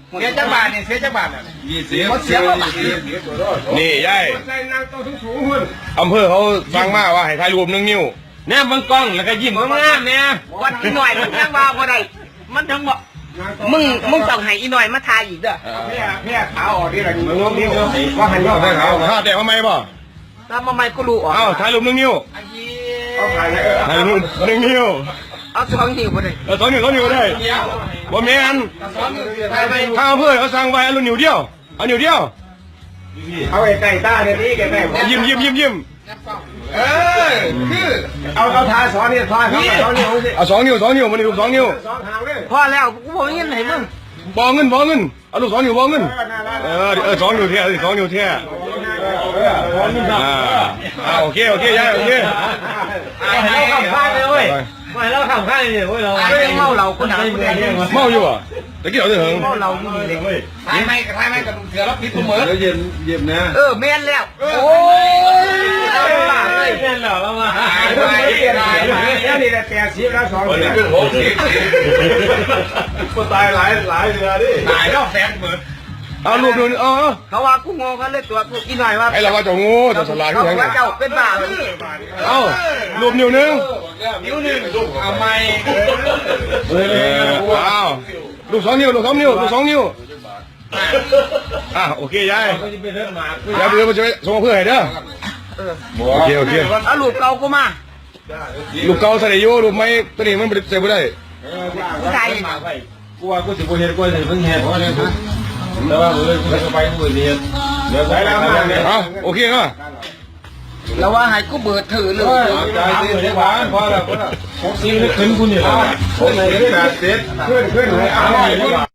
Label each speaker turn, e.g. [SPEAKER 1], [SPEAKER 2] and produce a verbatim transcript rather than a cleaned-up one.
[SPEAKER 1] เสียจังบาทนี่เสียจังบาทยี่สิบเสียบาท
[SPEAKER 2] นี่ยายอำเภอเขาสั่งมาว่าให้ถ่ายรูปหนึ่งนิ้วแนบบังกล้องแล้วก็ยิ้มงามๆเนี่ย
[SPEAKER 3] วัดอีหน่อยมันยังว่าบ่ได้มันทั้งบ่มึงมึงต้องให้อีหน่อยมาทายอีกเด้อ
[SPEAKER 1] เพี้ยเพี้ยขาวออกนี่แหละมึงงงนี่ก็หันยอดได้ขาว
[SPEAKER 2] ถ้าแต่ทำไมบ่
[SPEAKER 3] ตามมาใหม่ก็รู้ออก
[SPEAKER 2] เอ้าถ่ายรูปหนึ่งนิ้ว
[SPEAKER 1] เอาผ่านเลย
[SPEAKER 2] ถ่ายรูปหนึ่งนิ้ว
[SPEAKER 3] เอาสองนิ้วบ่ได้
[SPEAKER 2] เออสองนิ้วสองนิ้วได้บ่แม่นถ้าอำเภอเขาสั่งไว้เอานิ้วเดียวเอานิ้วเดียว
[SPEAKER 1] เอาไอ้ไก่ต้าเนี่ยนี่แกแม่
[SPEAKER 2] ยิ้มยิ้มยิ้มยิ้ม
[SPEAKER 1] เออคือเอาเอาทาสอนนี่ทาสอนนิ้วสิ
[SPEAKER 2] เอาสองนิ้วสองนิ้วมันรูปสองนิ้ว
[SPEAKER 1] สองทางเลย
[SPEAKER 3] พอแล้วกูบ่มีเงินให้มึง
[SPEAKER 2] บอเงินบอเงินเอาลูกสองนิ้วบอเงินเออเออสองนิ้วเท่สองนิ้วเท่อ่าอ่าโอเคโอเคยายโอเค
[SPEAKER 1] เราขับข้างเลยเว้ยไม่เราขับข้างเลยเว้ยเรา
[SPEAKER 3] เมาเหล้าคนหนักคนใด
[SPEAKER 2] เมาอยู่อ่ะตะกี้เอาเถอะ
[SPEAKER 3] เมาเหล้าอยู่นี่เลย
[SPEAKER 1] ทายไม่ทายไม่กระดูกเสือแล้วพิษตัวเหมือนแล้วเย็นเย็นนะ
[SPEAKER 3] เออแม่นแล้วโอ้ยเอาล่ะเอ้ย
[SPEAKER 1] เย็นเหรอเรามาไปเปลี่ยนแล้วนี่แหละแปดสิบแล้วสองเดือนหกสิบก็ตายหลายหลายเดือนดิตายแล้วแสนหมื่น
[SPEAKER 2] เอาลูกดูเออ
[SPEAKER 3] เขาว่ากูงงกันเลยตัวกูอีหน่อยว่า
[SPEAKER 2] ไอ้เราว่าจะงูจะสลาย
[SPEAKER 3] เขา
[SPEAKER 2] ที่ไหน
[SPEAKER 3] ว่าเจ้าเป็นบ้าเลย
[SPEAKER 2] เอารูปนิ้วนึง
[SPEAKER 1] นิ้วหนึ่งลูกเอาไม่
[SPEAKER 2] เออเอาลูกสองนิ้วลูกสองนิ้วลูกสองนิ้วอ่ะโอเคยายยายเพื่อนมาช่วยส่งเพื่อนให้เด้อโอเคโอเค
[SPEAKER 3] เอาลูกเก่ากูมา
[SPEAKER 2] ลูกเก่าใส่อยู่ลูกไม้ตัวนี้มันใส่ไม่ได้
[SPEAKER 3] ผู้ชาย
[SPEAKER 1] กูว่ากูสิบเห็นกูสิเพิ่งเห็นว่าเนี่ยแต่ว่าเลยกูจะไปกูเรียนเดี๋ยวใส่แล้วมาเนี่ย
[SPEAKER 2] อ่ะโอเคก็
[SPEAKER 3] แล้วว่าให้กูเบิดถือเลย
[SPEAKER 1] ใจดีเสียหวานพอแล้วพอแล้วหกสิบขึ้นคุณนี่แล้วคนไหนได้แปดสิบขึ้นขึ้นให้เอา